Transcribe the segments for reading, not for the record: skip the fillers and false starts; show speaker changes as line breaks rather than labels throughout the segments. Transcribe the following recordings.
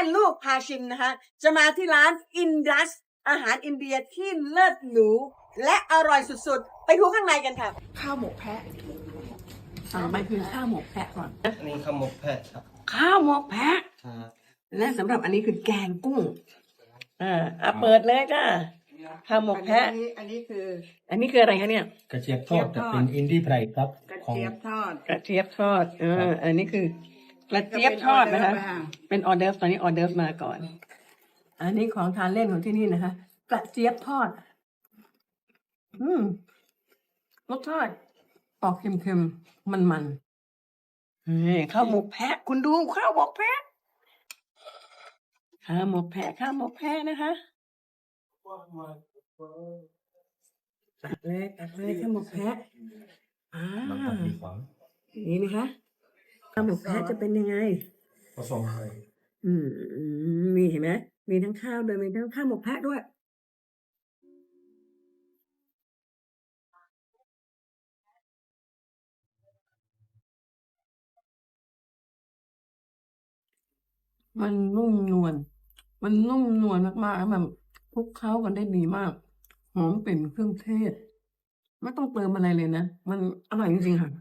ลูกพาชิมนะคะจะมาที่ร้านอินดัสอาหารอินเดียที่เลิศหรูและอร่อยสุดๆไปดูข้างในกันค่ะข้าวหมกแพะสั่งไปคือข้าวหมกแพะก่อน
อันนี้ข้าวหมกแพะครับ
ข้าวหมกแพะและสำหรับอันนี้คือแกงกุ้งเปิดเลยจ้าข้าวหมกแพะอันนี้คืออะไรคะเนี่ย
กระเจี๊ยบทอดแต่เป็นอินดี้ไพรครับ
กระเจี๊ยบทอดอันนี้คือกระเจี๊ยบทอดนะคะเป็นออเดิร์ฟตอนนี้ออเดิร์ฟมาก่อนอันนี้ของทานเล่นของที่นี่นะคะกระเจี๊ยบทอดรสชาติออกเค็มๆมันๆข้าวหมกแพะคุณดูข้าวหมกแพะข้าวหมกแพะนะคะตักเลยข้าวหมกแพะนี่นะคะข้าวหมกแพะจะเป็นยังไง
ผสมเลย
มีเห็นไหมมีทั้งข้าวด้วยมีทั้งข้าวหมกแพะด้วยมันนุ่มนวลมากๆแล้วมันคลุกเคล้ากันได้ดีมากหอมเป็นเครื่องเทศไม่ต้องเติมอะไรเลยนะมันอร่อยจริงๆค่ะ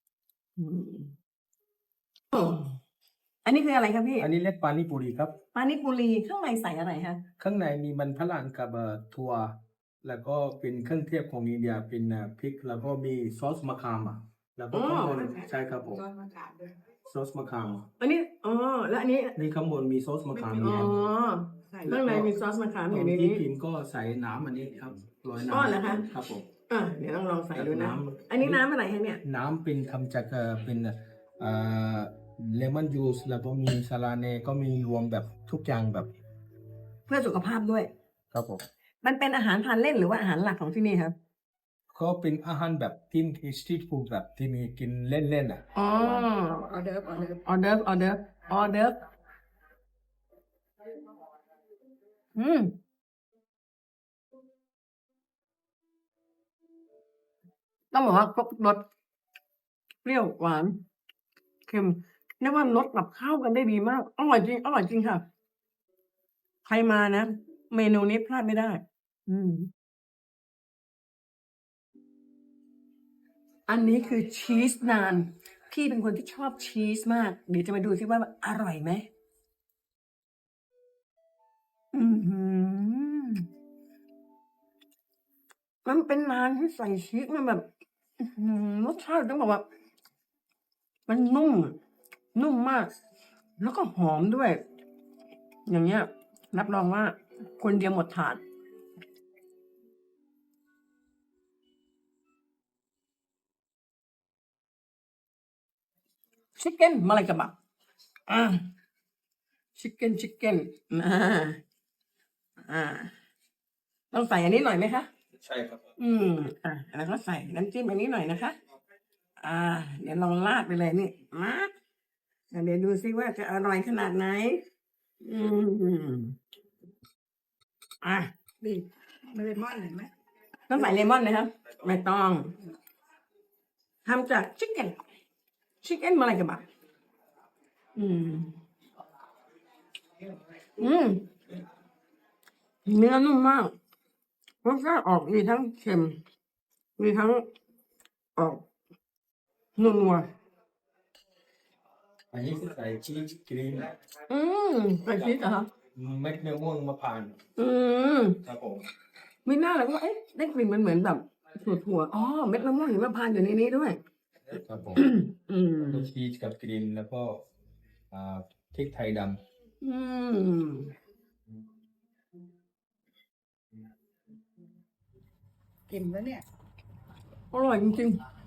อันนี้คืออะไรครับพี่
อันนี้เรียกปานิปุรีครับ
ปานิปุรีข้างในใส่อะไรคะ
ข้างในมีมันฝรั่งกับถั่วแล้วก็เป็นเครื่องเทศของอินเดียเป็นพริกแล้วก็มีซอสมะขามแล้วก็ข้างบนใช่ครับผมซอสมะขาม
อันนี้แล้วอันนี้
นี่ข้างบนมีซอสมะขามอยู่
ข้างในมีซอสมะขามอยู่ใน
นี้
ที่
กินก็ใส่น้ำอันนี้ครับโรยน้
ำนะคะ
ครับผม
เดี๋ยวต้องลองใส่ดูนะอันนี้น้ำอะไรคะเนี่ย
น้ำเป็นทำจากเป็นเลมอนจูสแล้วก็มีสาลาเนก็มีรวมแบบทุกอย่างแบบ
เพื่อสุขภาพด้วย
ครับผม
มันเป็นอาหารทานเล่นหรือว่าอาหารหลักของที่นี่ครับ
ก็เป็นอาหารแบบที่สตรีทฟู้ดแบบที่มีกินเล่นๆ
ออเดิร์ฟต้องบอกว่าครบรสเปรี้ยวหวานเค็มเรียกว่ารสกับข้าวกันได้ดีมากอร่อยจริงค่ะใครมานะเมนูนี้พลาดไม่ได้อันนี้คือชีสนานพี่เป็นคนที่ชอบชีสมากเดี๋ยวจะมาดูซิว่าอร่อยไหมมันเป็นนานที่ใส่ชีสมันแบบรสชาติต้องบอกว่ามันนุ่มมากแล้วก็หอมด้วยอย่างเงี้ยรับรองว่าคนเดียวหมดถาดชิคเก้นมาอะไรกับบักชิคเก้นต้องใส่อันนี้หน่อยไหมคะ
ใช่ครับ
แล้วก็ใส่น้ำจิ้มอันนี้หน่อยนะคะเดี๋ยวลองราดไปเลยนี่มาเดี๋ยวดูซิว่าจะอร่อยขนาดไหน
บีบเลมอนเห็นไหม
ต้องใส่เลมอนนะครับไม่ต้องทำจากชิคเก้นมาอะไรกับบักเนื้อนุ่มมากรสชาติออกมีทั้งเค็มมีทั้งออกนัว
อันนี้คือใส่ชีสครีม
ใส่ชีสเหรอ
เม็ดมะม่วงมะพร้าวครับผม
ไม่น่าเลยว่าได้กลิ่นมันเหมือนแบบถั่วเม็ดมะม่วงหิมพานต์อยู่ในนี้ด้วย
ครับผมชีสกับครีมแล้วก็พริกไทยดำ
กินแล้วเนี่ย
อร่อยจริงๆ